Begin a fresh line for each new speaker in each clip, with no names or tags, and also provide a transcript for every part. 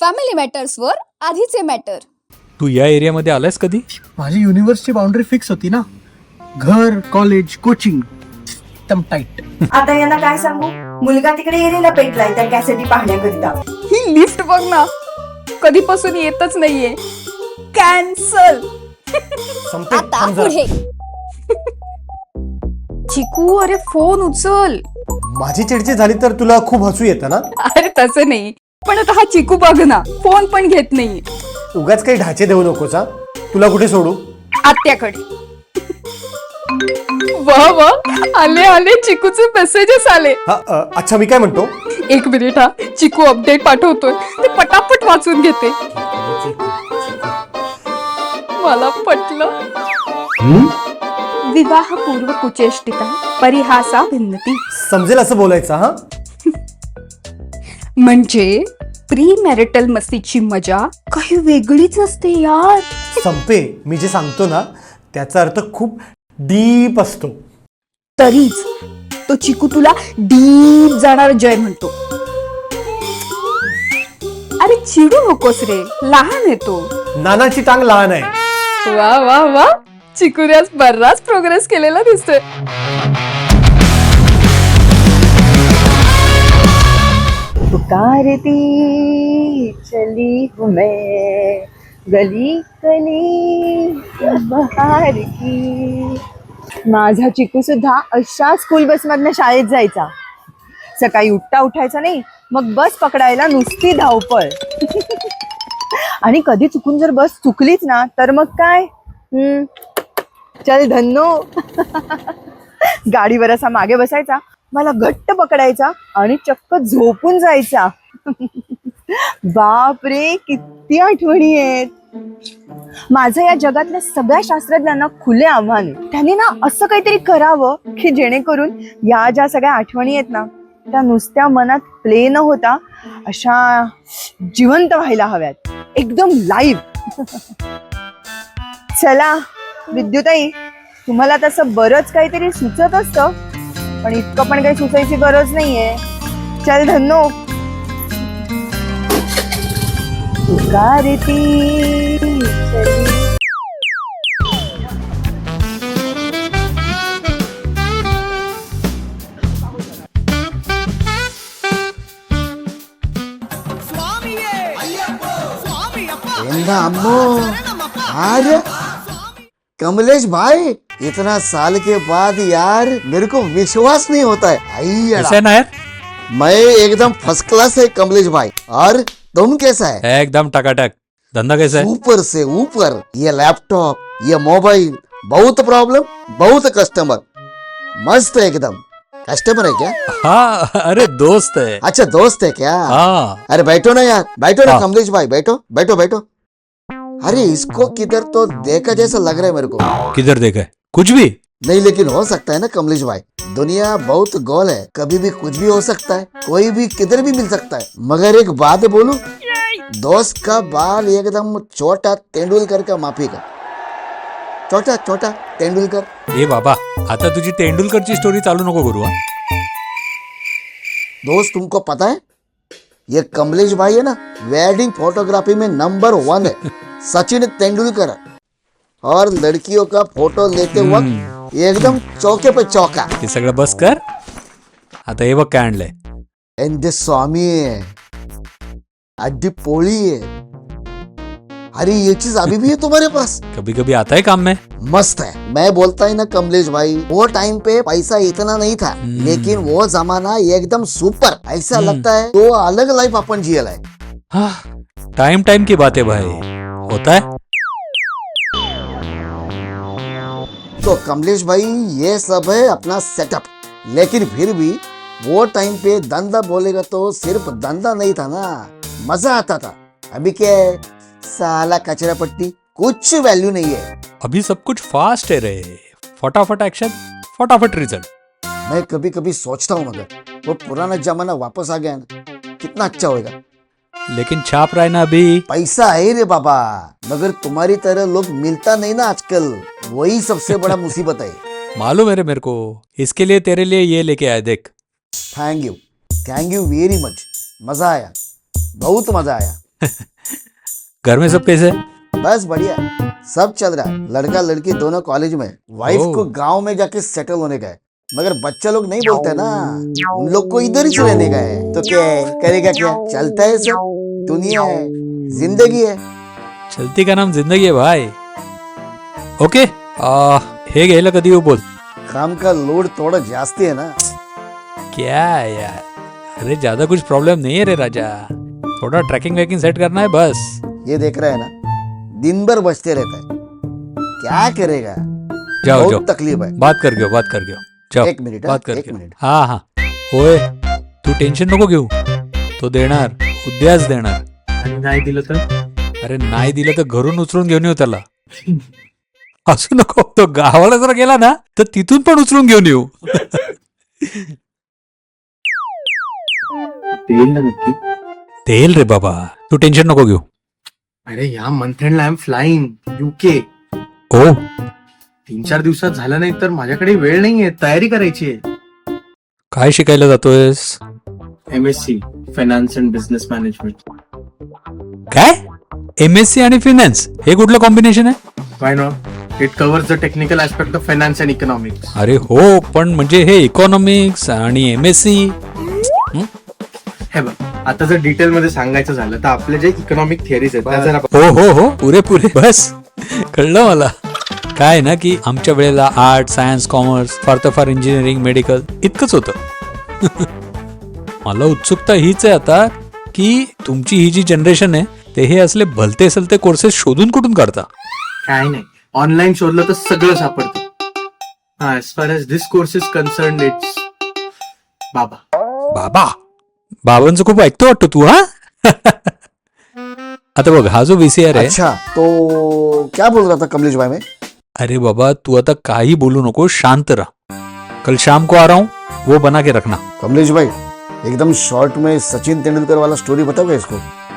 Family मॅटर्सवर आधीचे matter.
तू या एरियामध्ये आलायस कधी?
माझी युनिव्हर्सची बाउंड्री फिक्स होती ना. घर, कॉलेज, कोचिंग एकदम टाईट.
आता यांना काय सांगू, मुलगा तिकडे एरियाला पेटलाय त्या कॅसेटी पाहण्याकरिता.
ही लिफ्ट बघ ना, कधीपासून येतच नाहीये. कॅन्सल. आता पुढे. चिकू, अरे फोन उचल.
माझी चिडचिड झाली तर तुला खूप हसू येतं ना.
अरे तसं नाही, पण आता हा चिकू बघ ना, फोन पण घेत नाही.
उगाच काही ढाचे देऊ नकोस हा. तुला कुठे सोडू?
आत्याकडे. वा वा, आले आले चिकूचे मेसेजेस आले.
अच्छा, मी काय म्हणतो,
एक मिनिट हा, चिकू अपडेट पाठवतोय, ते पटापट वाचून घेते. मला पटलं. विवाहपूर्व कुचेष्टिता परिहासा भिन्नती.
समजेल असं बोलायचं हा.
म्हणजे प्री मॅरिटल मस्तीची मजा काही वेगळीच असते यार.
संपे, मी जे सांगतो ना त्याचा अर्थ खूप डीप असतो.
तरीच तो चिकू तुला डीप जाणार जय म्हणतो. अरे चिडू नकोस रे, लहान आहे तो.
नानाची टांग लहान आहे.
वा वा वा, चिकूने आज बराच प्रोग्रेस केलेला दिसतोय.
पुकारती चली हूँ मैं गली गली बहार की. माझा चिकू सुद्धा अशा स्कूल बस मधनं शाळेत जायचा. सकाळी उठायचा नाही, मग बस पकडायला नुसती धावपळ. आणि कधी चुकून जर बस चुकलीच ना तर मग काय, चल धन्नो. गाडीवर असा मागे बसायचा, मला घट्ट पकडायचा आणि चक्क झोपून जायचा. बाप रे, किती आठवणी आहेत. माझं या जगातल्या सगळ्या शास्त्रज्ञांना खुले आव्हान आहे. त्यांनी ना असं काहीतरी करावं की जेणेकरून या ज्या सगळ्या आठवणी आहेत ना त्या नुसत्या मनात प्ले न होता अशा जिवंत व्हायला हव्यात, एकदम लाईव्ह. चला विद्युताई, तुम्हाला तसं बरंच काहीतरी सुचत असतं, पण इतकं पण काही सुचायची गरज नाहीये. चल धन्नो. पुकारती चली.
अम्मो, अरे कमलेश भाई, इतना साल के बाद यार मेरे को विश्वास नहीं होता है.
कैसा है नायर?
मैं एकदम फर्स्ट क्लास है कमलेश भाई. और तुम कैसा है?
एकदम टकाटक. धंधा कैसा है?
ऊपर से ऊपर. ये लैपटॉप, ये मोबाइल, बहुत प्रॉब्लम, बहुत कस्टमर. मस्त है एकदम. कस्टमर है क्या?
हाँ, अरे दोस्त है.
अच्छा दोस्त है क्या?
हाँ.
अरे बैठो ना यार, बैठो ना
हाँ.
कमलेश भाई, बैठो बैठो बैठो. अरे इसको किधर तो देखा जैसा लग रहा है मेरे को.
किधर देखा है? कुछ भी
नहीं, लेकिन हो सकता है ना कमलेश भाई. दुनिया बहुत गोल है, कभी भी कुछ भी हो सकता है, कोई भी किधर भी मिल सकता है. मगर एक बात बोलूं, दोस्त का बाल एकदम छोटा तेंदुलकर का माफी का. छोटा छोटा तेंदुलकर.
ए बाबा, आता तुझी तेंडुलकरची स्टोरी चालू नको करू. हा,
दोस्त तुमको पता है ये कमलेश भाई है ना, वेडिंग फोटोग्राफी में नंबर 1 है. सचिन तेंदुलकर. और लड़कियों का फोटो लेते वक्त एकदम चौके पे चौका.
ते सगळं बस कर. आता हे बघ काय आणलंय.
एंडे स्वामी है, अड्डी पोळी है. अरे ये चीज अभी भी है तुम्हारे पास?
कभी कभी आता है काम में.
मस्त है. मैं बोलता ही ना कमलेश भाई, वो टाइम पे पैसा इतना नहीं था, लेकिन वो जमाना एकदम सुपर. ऐसा लगता है तो अलग लाइफ अपन जियल है.
हाँ, टाइम टाइम की बात है भाई, होता है.
तो कमलेश भाई ये सब है अपना सेटअप, लेकिन फिर भी वो टाइम पे धंधा बोलेगा तो सिर्फ धंधा नहीं था ना, मजा आता था. अभी क्या है, साला कचरा पट्टी, कुछ वैल्यू नहीं है.
अभी सब कुछ फास्ट है रे. फटाफट एक्शन, फटाफट रिजल्ट.
मैं कभी कभी सोचता हूँ मगर वो पुराना जमाना वापस आ गया ना, कितना अच्छा होएगा.
लेकिन छाप रहा है ना अभी.
पैसा है रे बाबा, मगर तुम्हारी तरह लोग मिलता नहीं ना आजकल, वही सबसे बड़ा मुसीबत है.
मालूम है रे मेरे को. इसके लिए तेरे लिए ये लेके आया, देख.
Thank you very much. मजा आया, बहुत मजा आया.
घर में सब कैसे है?
बस बढ़िया, सब चल रहा है। लड़का लड़की दोनों कॉलेज में, वाइफ
ओह।
को गांव में जाके सेटल होने का है। मगर बच्चा लोग नहीं बोलते ना, उन लोग को इधर ही रहने का है। तो क्या है, करेगा क्या, चलता है सब, दुनिया है, जिंदगी है।
चलती का नाम जिंदगी है भाई. ओके, हे घ्यायला कधी येऊ बोल.
काम का लोड थोड़ा जास्ती है ना.
क्या यार, अरे ज्यादा कुछ प्रॉब्लम नहीं है रे राजा. थोड़ा ट्रैकिंग वैकिंग सेट करना है बस.
ये देख रहा है ना, दिन भर बचते रहता है, क्या करेगा.
जाओ जाओ,
बहुत तकलीफ है.
बात कर गयो, बात कर गयो. जाओ,
एक मिनिट,
बात कर
एक
गयो.
मिनिट.
हा हा, होय, तू टेन्शन नको घेऊ. तो देणार, उद्याच देणार.
आणि नाही दिलं तर
अरे नाही दिलं तर घरून उचलून घेऊन येऊ त्याला. असू नको, तो गावाला जर गेला ना तर तिथून पण उचलून घेऊन येऊ.
देईल ना नक्की.
देईल रे बाबा, तू टेन्शन नको घेऊ.
अरे या मंथ एंडला आय एम फ्लाइंग UK.
ओ,
3-4 दिवसात झालं नाही तर माझ्याकडे वेळ नाहीये, तयारी करायची आहे.
काय शिकायला जातोयस?
MSc finance and business management.
काय? MSc आणि फिनान्स हे कुठलं कॉम्बिनेशन आहे?
Why not, it covers the technical aspect of finance and economics.
अरे हो, पण म्हणजे हे इकॉनॉमिक्स आणि MSc.
हे बघ, आता जर डिटेल मध्ये सांगायचं झालं तर आपले जे इकॉनॉमिक थिअरीज आहेत त्या जर आपण
हो हो हो, पुरे बस कळलं मला. काय ना की आमच्या वेळेला आर्ट, सायन्स, कॉमर्स, फार इंजिनिअरिंग, मेडिकल इतकंच होतं. मला उत्सुकता हीच आहे आता की तुमची ही जी जनरेशन आहे ते हे असले भलते सलते कोर्सेस शोधून कुठून काढता.
काय नाही, ऑनलाईन शोधलं तर सगळं सापडतं. हा, as far as this course is concern it's बाबा.
बाबांचं खूप ऐकतो वाटतं तू. हा. आता बघ, हा जो VCR आहे.
अच्छा, तो क्या बोल रहा था कमलेश भाई में.
अरे बाबा, तू आता काही बोलू नको, शांत रहा. कल शाम को आ रहा हूँ, वो बना के रखना.
कमलेश भाई, एकदम शॉर्ट में सचिन तेंदुलकर वाला स्टोरी बताओगे इसको.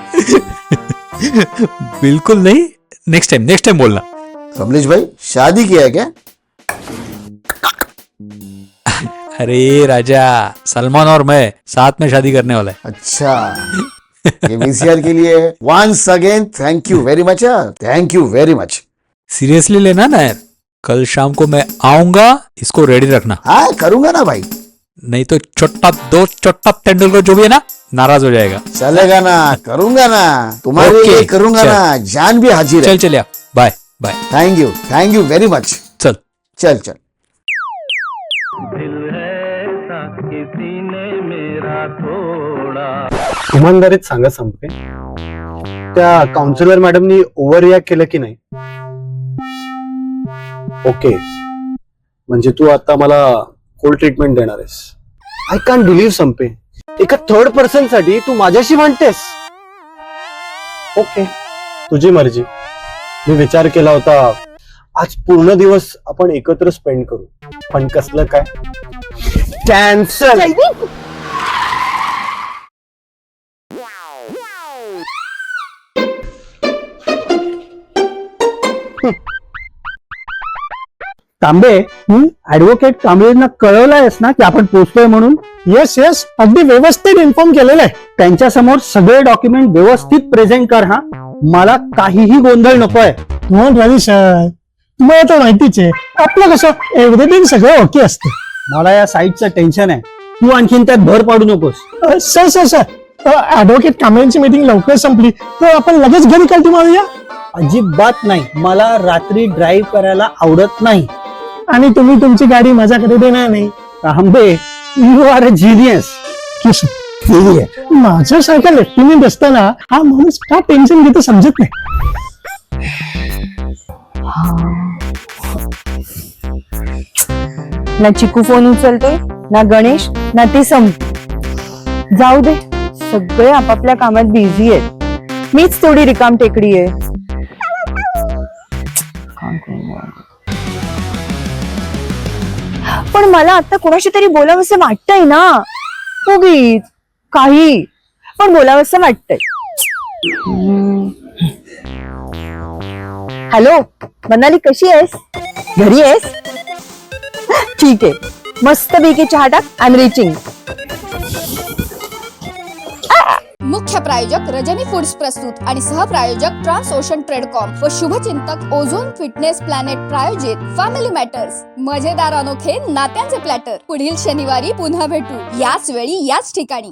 बिल्कुल नहीं, नेक्स्ट टाइम बोलना.
कमलेश भाई, शादी किया है क्या.
अरे राजा, सलमान और मैं साथ में शादी करने वाला है.
अच्छा, ये VCR के लिए once again thank you very much. Thank you very much.
Seriously लेना ना यार. कल शाम को मैं आऊंगा, इसको रेडी रखना.
हाँ, करूंगा ना भाई.
नहीं तो छोटा तेंदुलकर जो भी है ना, नाराज हो जाएगा.
चलेगा ना, करूंगा ना, तुम्हारे
ओके,
लिए करूंगा
चल.
ना, जान भी हाजिर है.
चल या, bye.
Thank you very much.
चल.
चल.
इमानदारीत सांगा संपे, त्या काउन्सिलर मॅडमनी ओव्हर रिॲक्ट केलं की नाही. ओके, म्हणजे तू आता मला कोल्ड ट्रीटमेंट देणार आहेस. आय कॅन बिलीव्ह संपे, एका थर्ड पर्सन साठी तू माझ्याशी म्हणतेस. ओके, तुझी मर्जी. मी विचार केला होता आज पूर्ण दिवस आपण एकत्र स्पेंड करू, पण कसलं काय, कॅन्सल.
तांबे, ऍडव्होकेट कांबळेंना कळवलंयस ना की आपण पोहोचतोय म्हणून. येस, अगदी व्यवस्थित इन्फॉर्म केलेलं आहे. त्यांच्या समोर सगळे डॉक्युमेंट व्यवस्थित प्रेझेंट कर. हा, मला काहीही गोंधळ नकोय.
रवी सर, तुम्हाला तर माहितीच आहे आपलं कसं एव्हरीथिंग सगळं ओके असतं.
मला या साईटचं टेन्शन आहे. तू आणखीन त्यात भर पाडू नकोस.
सर, ऍडव्होकेट कांबळेंची मीटिंग लवकर संपली तर आपण लगेच घरी कल्टी मारूया.
अजिबात नाही, मला रात्री ड्राईव्ह करायला आवडत नाही.
आणि तुम्ही तुमची गाडी माझ्याकडे देणार नाही.
Tambe, you are a genius.
माझ्यासारखा लेफ्टनंट असताना हा माणूस का टेन्शन घेतो समजत नाही.
ना चिकू फोन उचलतोय, ना गणेश, ना ती जाऊ दे, सगळे आपापल्या कामात बिझी आहेत. मीच थोडी रिकाम टेकडी आहे. पण मला आता कोणाशी तरी बोलावंसं वाटतंय ना. उगीच काही पण बोलावंसं वाटतंय. हॅलो मनाली, कशी आहेस? घरी आहेस? ठीक आहे, मस्त पैकी चहा टाक. I am reaching.
मुख्य प्रायोजक रजनी फूड्स प्रस्तुत आणि सहप्रायोजक ट्रान्स ओशन ट्रेडकॉम व शुभचिंतक ओझोन फिटनेस प्लॅनेट प्रायोजित फॅमिली मॅटर्स. मजेदार अनोखे नात्यांचे प्लॅटर. पुढील शनिवारी पुन्हा भेटू, याच वेळी याच ठिकाणी.